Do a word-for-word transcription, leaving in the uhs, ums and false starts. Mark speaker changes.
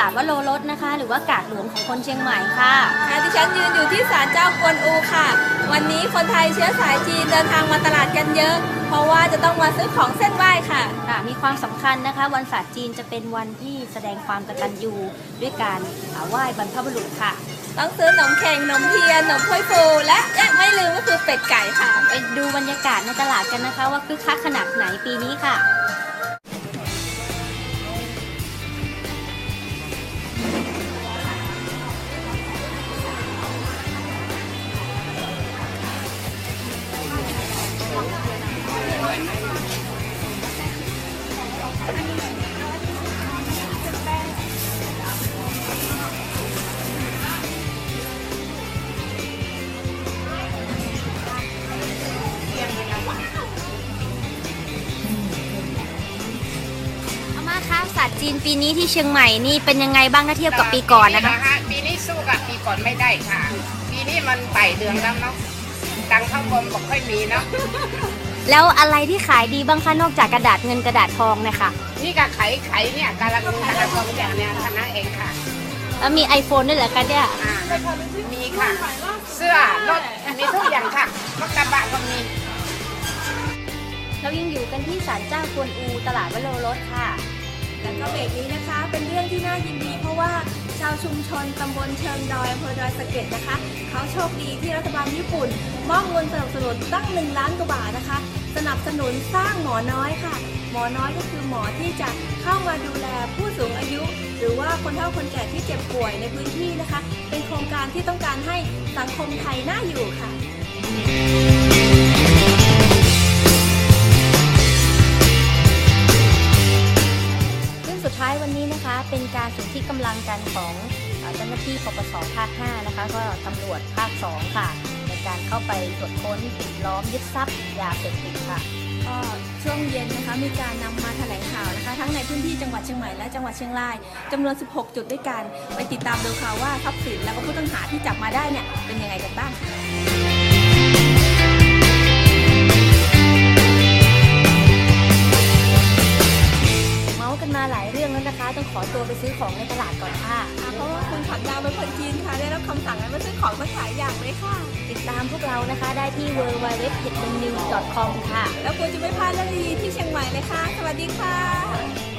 Speaker 1: ดวโรรสนะคะหรือว่ากาดหลวงของคนเชียงใหม่ค่ะ
Speaker 2: ค่ะดิฉันยืนอยู่ที่ศาลเจ้ากวนอูค่ะ วันนี้คนไทยเชื้อสายจีนเดินทางมาตลาดกันเยอะ เพราะว่าจะต้องมาซื้อของเส้นไหว้ค่ะ
Speaker 1: ค่ะมีความสำคัญนะคะวันศาสตร์จีนจะเป็นวันที่แสดงความกตัญญูด้วยการไหว้บรรพบุรุษค่ะ
Speaker 2: ต้องซื้อขนมแข็งขนมเทียนขนมถ้วยฟูและยังไม่ลืมก็คือเป็ดไก่ค่ะ
Speaker 1: ไปดูบรรยากาศในตลาดกันนะคะว่าคึกคักขนาดไหนปีนี้ค่ะศาสตร์จีนปีนี้ที่เชียงใหม่นี่เป็นยังไงบ้างถ้าเทียบกับปีก่อนนะคะ
Speaker 3: ปีนี้สู้กับปีก่อนไม่ได้ค่ะปีนี้มันไต่เดือนแล้วเนาะตังเข้ากรมบอกค่อยมีเนาะ
Speaker 1: แล้วอะไรที่ขายดีบ้างคะนอกจากกระดาษเงินกระดาษทองเนี่ยค่ะ
Speaker 3: นี่ก็ไขไขเนี่ยกาลังกาลังทองอย่างเนี้ยคณะเองค่ะ
Speaker 1: แล้วมี iPhone ด้วยเหรอคะเนี่ย
Speaker 3: มีค่ะเสื้อรถมีทุกอย่างค่ะรถกระบะก็มี
Speaker 1: เรายังอยู่กันที่ศาลเจ้ากวนอูตลาดวโรรสค่ะ
Speaker 2: แล้วก็เบรกนี้นะคะเป็นเรื่องที่น่ายินดีเพราะว่าชาวชุมชนตำบลเชิงดอยอำเภอดอยสะเก็ดนะคะเขาโชคดีที่รัฐบาลญี่ปุ่นมอบเงินสนับสนุนตั้งหนึ่งล้านกว่าบาทนะคะสนับสนุนสร้างหมอน้อยค่ะหมอน้อยก็คือหมอที่จะเข้ามาดูแลผู้สูงอายุ หรือว่าคนเฒ่าคนแก่ที่เจ็บป่วยในพื้นที่นะคะเป็นโครงการที่ต้องการให้สังคมไทยน่าอยู่ค่ะ
Speaker 1: สุดท้ายวันนี้นะคะเป็นการสนที่กำลังกันของเจ้าหน้าที่ปปสภาคห้านะคะก็ตำรวจภาคสองค่ะในการเข้าไปตรวจค้นปิดล้อมยึดทรัพย์ยาเสพติดค่ะ
Speaker 2: ก็ช่วงเย็นนะคะมีการนำมาแถลงข่าวนะคะทั้งในพื้นที่จังหวัดเชียงใหม่และจังหวัดเชียงรายจำนวนสิบหกจุดด้วยกันไปติดตามดูค่ะว่าทรัพย์สินแล้วก็ผู้ต้องหาที่จับมาได้เนี่ยเป็นยังไงกันบ้าง
Speaker 1: กันมาหลายเรื่องแล้วนะคะต้องขอตัวไปซื้อของในตลาดก่อนค่ะ
Speaker 2: เพราะว่าคุณผักดาวเป็นคนจีนค่ะได้รับคำสั่งให้มาซื้อของมาขายอย่างเลยค่ะ
Speaker 1: ติดตามพวกเรานะคะได้ที่ ดับเบิลยู ดับเบิลยู ดับเบิลยู ดอท เพจ นิวส์ ดอท คอม ค่ะ
Speaker 2: แล้วคุณจะไม่พลาดเรื่องดีๆที่เชียงใหม่เลยค่ะสวัสดีค่ะ